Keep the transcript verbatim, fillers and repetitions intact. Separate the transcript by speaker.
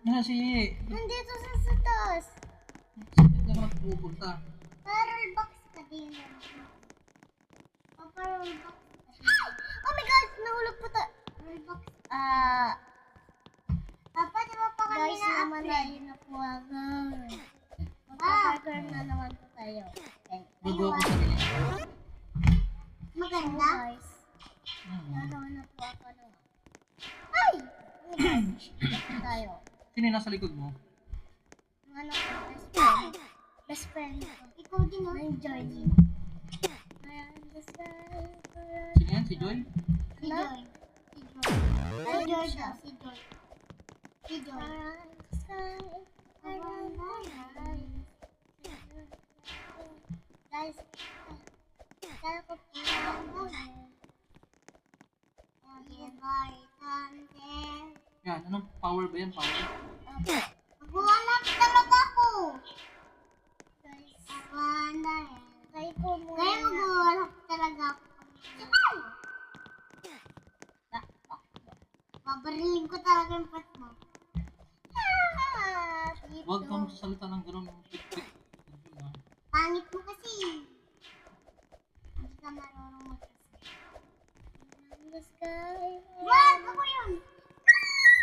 Speaker 1: Yan si...
Speaker 2: Nandito sa satas.
Speaker 1: Saan ka pupunta?
Speaker 2: Parol box ka din. Oh, parol box ka din. Oh my God! Nahulog po ta. Parol box. Ah... Papa, di ba pa kami
Speaker 3: Guys, naman na
Speaker 2: na-upgrade?
Speaker 3: yun na po agad. Magpa-burger na naman po tayo. Okay.
Speaker 1: Bago ako sa nila.
Speaker 3: So
Speaker 2: Maganda?
Speaker 3: guys,
Speaker 1: Hmm.
Speaker 3: nanawan na po ako ng...
Speaker 2: Ay!
Speaker 3: Oh my God, ito tayo.
Speaker 1: Sino yung nasa likod mo?
Speaker 3: Ang ano ko, best friend. Best friend ko.
Speaker 2: Ikaw din oh.
Speaker 3: Ang Georgie. Ayan, the sky.
Speaker 1: Sino yan? Si Joy?
Speaker 2: Si
Speaker 3: Ano?
Speaker 2: Joy. Si Joy. Si Joy daw. Si Joy. Si Joy.
Speaker 3: Around the sky. Around the sky.
Speaker 2: Guys, kaya ko po lang gawin.
Speaker 1: Yan, anong power ba yan? Power?
Speaker 2: Maghuhanap talaga ako.
Speaker 3: Guys,
Speaker 2: Maganda yan.
Speaker 3: try ko muna
Speaker 2: Kaya
Speaker 3: na.
Speaker 2: maghuhanap talaga ako. Sabay! Babariling ko talaga yung pat mo.
Speaker 3: Ah, dito.
Speaker 1: Huwag kang sasalita ng gano'n. Pik-pik.
Speaker 2: Pangit mo kasi. Hindi ka marunong magkasi.
Speaker 3: Around the sky.